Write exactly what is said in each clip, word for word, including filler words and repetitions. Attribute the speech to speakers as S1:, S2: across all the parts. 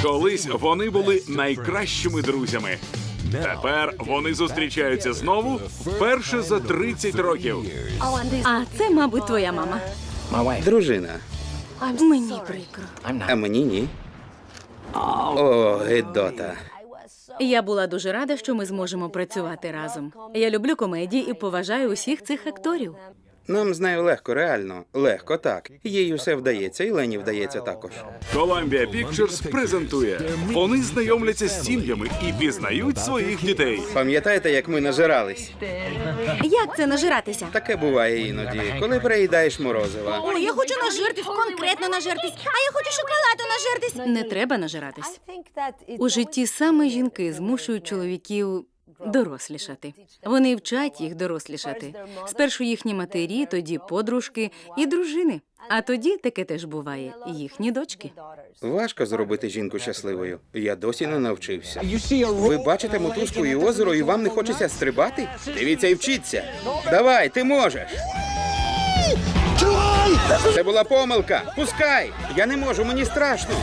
S1: Колись вони були найкращими друзями. Тепер вони зустрічаються знову вперше за тридцять років.
S2: А це, мабуть, твоя мама.
S3: Дружина.
S2: Мені прикро.
S3: А мені ні. О, гидота.
S2: Я була дуже рада, що ми зможемо працювати разом. Я люблю комедії і поважаю усіх цих акторів.
S3: Нам з нею легко, реально. Легко, так. Їй усе вдається, і Лені вдається також.
S1: Columbia Pictures презентує. Вони знайомляться з сім'ями і пізнають своїх дітей.
S3: Пам'ятаєте, як ми нажирались?
S2: Як це нажиратися?
S3: Таке буває іноді, коли переїдаєш морозива.
S2: О, я хочу нажертись, конкретно нажертись. А я хочу шоколаду нажертись. Не треба нажиратись. У житті саме жінки змушують чоловіків дорослішати. Вони вчать їх дорослішати. Спершу їхні матері, тоді подружки і дружини. А тоді, таке теж буває, їхні дочки.
S3: Важко зробити жінку щасливою. Я досі не навчився. Ви бачите мотузку і озеро, і вам не хочеться стрибати? Дивіться і вчіться. Давай, ти можеш. Це була помилка. Пускай. Я не можу, мені страшно.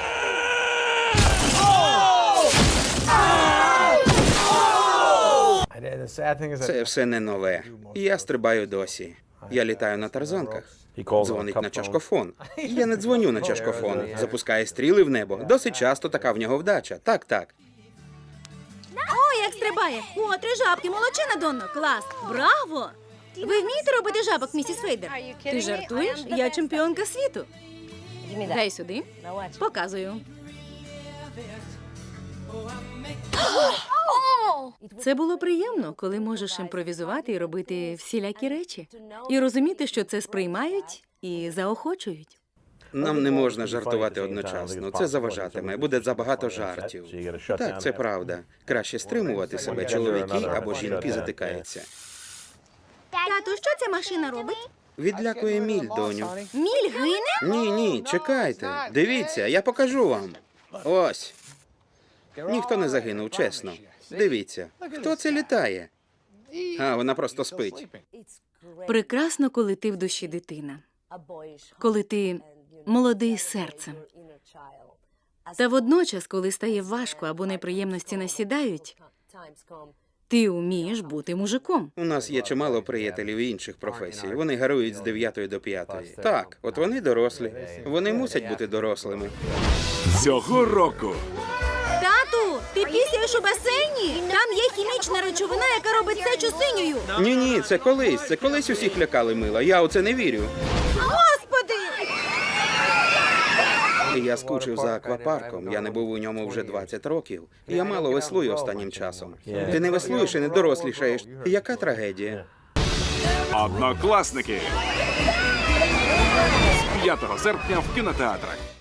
S3: Це все не нове. Я стрибаю досі. Я літаю на тарзанках. Дзвонить на чашкофон. Я не дзвоню на чашкофон. Запускає стріли в небо. Досить часто така в нього вдача. Так, так.
S2: О, як стрибає! О, три жабки, молодчина, Донно, клас! Браво! Ви вмієте робити жабок, місіс Фейдер? Ти жартуєш? Я чемпіонка світу. Дай сюди. Показую. Це було приємно, коли можеш імпровізувати і робити всілякі речі. І розуміти, що це сприймають і заохочують.
S3: Нам не можна жартувати одночасно. Це заважатиме. Буде забагато жартів. Так, це правда. Краще стримувати себе. Чоловіки або жінки затикаються.
S2: Тату, що ця машина робить?
S3: Відлякує міль, доню.
S2: Міль гине?
S3: Ні, ні, чекайте. Дивіться, я покажу вам. Ось. Ніхто не загинув, чесно. Дивіться. Хто це літає? А, вона просто спить.
S2: Прекрасно, коли ти в душі дитина. Коли ти молодий серцем. Та водночас, коли стає важко або неприємності насідають, ти вмієш бути мужиком.
S3: У нас є чимало приятелів інших професій. Вони гарують з дев'ятої до п'ятої. Так, от вони дорослі. Вони мусять бути дорослими.
S1: Цього року
S2: Тату, ти пісяєш у басейні? Там є хімічна речовина, яка робить сечу синьою.
S3: Ні, ні, це колись. Це колись усіх лякали мила. Я у це не вірю.
S2: Господи!
S3: Я скучив за аквапарком. Я не був у ньому вже двадцять років. Я мало веслую останнім часом. Ти не веслуєш і не дорослішаєш. Яка трагедія?
S1: «Однокласники» з п'ятого серпня в кінотеатрах.